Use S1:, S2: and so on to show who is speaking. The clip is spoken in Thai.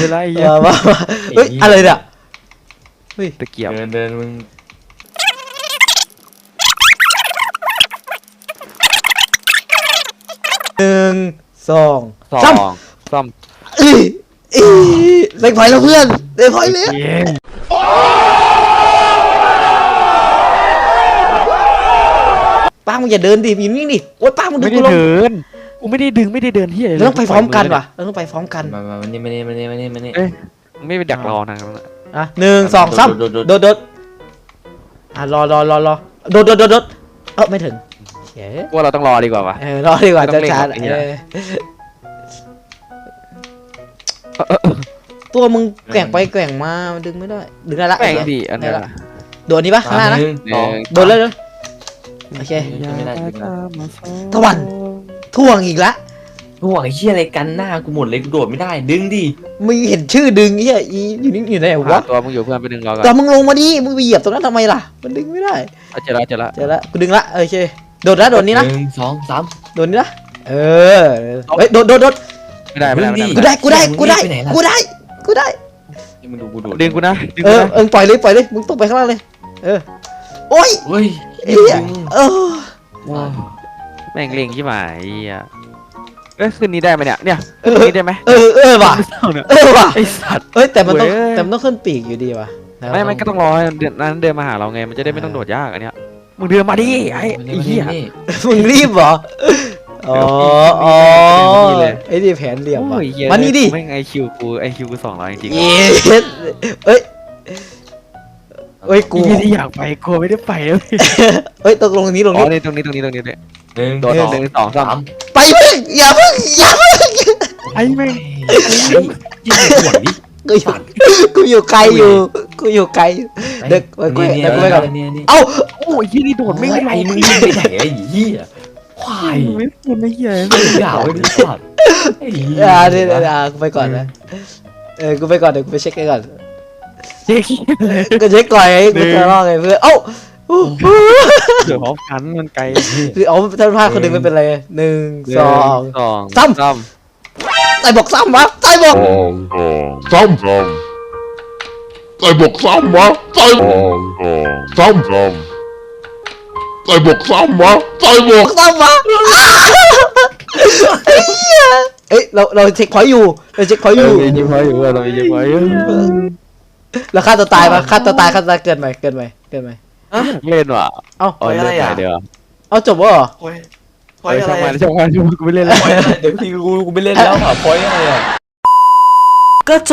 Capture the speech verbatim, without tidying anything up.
S1: อะไรเงี้ย
S2: มาเฮ้ยอะไรเนี่ยเฮ้ย
S1: ตะเกียบ
S3: เดินเดินมึง
S2: หนึ่งสอง
S1: สอ
S2: สาม
S1: งซ้ำ
S2: อีอีเล็กพอยแล้วเพื่อนเล็กพอยเลย
S1: เย้
S2: ป้ามึงอย่าเดินดิอยู่นิ่งดิโอ๊ยป้ามึงดึ
S1: ไม่
S2: ง
S1: ได้
S2: กูลง
S1: เดินกูไม่ได้ดึงไม่ได้เดินที่อะไร
S2: เราต้องไปพร้อมกันว่ะเราต้องไปพร้อมกัน
S3: มามามานี่มานี่มานี่มานี่มานี่
S1: เอ้ยไม่ไปดักรอนะ
S2: อ่ะหนึ่งสองสาม
S3: โดดโดด
S2: โดดโดดอ่ะรอรอรอรอโดดโดดโดดโดดเออไม่ถึงเฮ้ย
S1: ว่าเราต้องรอดีกว่าวะ
S2: เออรอดีกว่า
S1: ต้
S2: จะ
S1: องเร่ง
S2: ช้า
S1: แบบนี้
S2: เอ
S1: นะ
S2: อตัวมึงแกว่งไปแกว่งมามันดึงไม่ได้ดึงได้ละ
S1: แม่งดีอันนี้
S2: ได้ละโดดนี้ปะข้างหน้านะ
S3: หนึ่งสอง
S2: โดดเลยเลยโอเค
S3: ไม่ได้ไม่ได้
S2: ตะวัน ท่วงอีกละ
S3: กูหวังไอ้เชี่ยอะไรกันหน้ากูหมดเลยกูโดดไม่ได้ดึงดิ
S2: มึงเห็นชื่อดึงเหี้ยอีอยู่นี่อยู่ไหน
S1: หาว
S2: ะ
S1: ตัวมึงอยู่เพื่อนไปดึงรอก่อน
S2: แต่มึงลงมาดิมึงไปเหยียบตรงนั้นทำไมล่ะมันดึงไม่ได้
S1: เจอแล้วเจอแล้ว
S2: เจอละกูดึงละโอเคโดดละโดดนี้นะ
S3: หนึ่งสองสาม
S2: โดดนี้นะเออเฮ้ยโดดโดดโดด
S1: ไม่ได้ไม่ได้ไม่ได้
S2: กูได้กูได้กูได้กูได้กูได้
S3: มึงดูกูโดด
S1: ดึงกูนะดึง
S2: เอ
S1: กู
S2: อ
S1: นะ
S2: เออปล่อยเลยปล่อยเลยมึงตกไปข้างล่างเลยเออโอ้ย
S3: เฮ้ย
S2: เอี้ยเออ
S1: แม่งเล็งที่หมายอ่ะเอ้ยขึ้นนี้ได้ไหมเนี่ยเนี่ยขึ้นนี้ได้ไหม
S2: เออเออว่ะเออว่ะ
S1: ไอสัตว์
S2: เอ้ยแต่มันต้อง
S1: เว้ย
S2: แต่มันต้องขึ้นปีกอยู่ดีว่ะ
S1: ไม่ไม่ก็ต้องรอให้เดือนนั้นเดินมาหาเราไงมันจะได้ไม่ต้องโดดยากอันเนี้ยมึงเดินมาดิไอ้ไอ้เหี้ย
S2: มึงรีบเหรออ๋ออ๋อ
S1: นี่เลย
S2: ไอ้นี่แผนเหลี่ยมว่ะ
S1: โอ้ยเหี้ย
S2: มานี่ดิ
S1: ไม่ไอคิวกูไอคิวกูสองร้อยจริง
S2: เย้เอ้ยเอ้ย
S1: กู
S2: กู
S1: ที่อยากไปกูไม่ได้ไปเลย
S2: เอ้ยตกลงตรงนี้ตรง
S1: อ๋อ
S2: นี้
S1: นี่ตรงนี้ตรงนี้ตรงนี้เลย
S3: หนึ่ง
S1: โดด
S3: สอง
S1: หนึ่งสองสาม
S2: ไปเพิ่งอย่าเพิ่งอย่าเพิ่ง
S1: ไอ้แม่ง
S3: ยิ่งห่วงดิ
S2: กูอยู่กูอยู่ไกลอยู่กูอยู่ไกลอยู่เด็กไปกู
S3: นี่
S2: เด็กกูไปก่อน
S3: นี่นี่
S2: เอ้า
S1: โอ้ยยี่นี่โดดไม่
S3: ไม่
S1: ได้
S3: ไอ้มึงยิงไปไหนไอ้เหี้ยควาย
S1: ไม่เป็นไอ้เหี้ย
S3: อย่าไว้ดิสัตว์ไอ้เหี้ย
S2: อ่าเดี๋ยวเดี๋ยวเดี๋ยวกูไปก่อนนะเออกูไปก่อนเดี๋ยวกูไปเช็คกันก่อน
S1: เจ๊ขี้เลย
S2: กูเช็คก่อนไอ้กูจะรอดไงเพื่อนเอ้า
S1: เดี๋ยวพร้อมกันมันไกล
S2: คือเอาถ้าพลาดคนหนึ่งไม่เป็นไรหนึ่งสอง
S1: สอง
S2: สาม
S1: สาม
S2: ใส่บอกซ้ำวะใส่บอก
S4: ซ้ำซ้ำใส่บกซ้ำวะใส่ซ้ำซ้ำใส่บกซ้ำวะใส่บ
S2: บอก กซ้ำวะไอ้เหี้ยเอ้ยเราเราเช็คพอยต์อยู่เราเช็คพอยต์อยู่
S1: เรายิ้มไว้อยู่เรายิ้มไว้อยู่
S2: แล้วฆ่าตัวตายปะฆ่าตัวตายฆ่าตัวตายเกินไหมเกินไหมเกินไหม
S1: เล่นว่ะ
S2: เอ้า
S1: เอาเล่นไปเดี๋ยว
S2: เอาจบวะเหรอ
S3: พอยพ
S1: ไป
S3: อยอะ
S1: ช่าง
S3: ไร
S1: มันช่างมันกูไม่เล่นแล้ว
S3: พอยอะไรเดี๋ยวพี่กูกูไม่เล่นแล้วอ่ะพอยอะไรอ่ะ
S2: ก็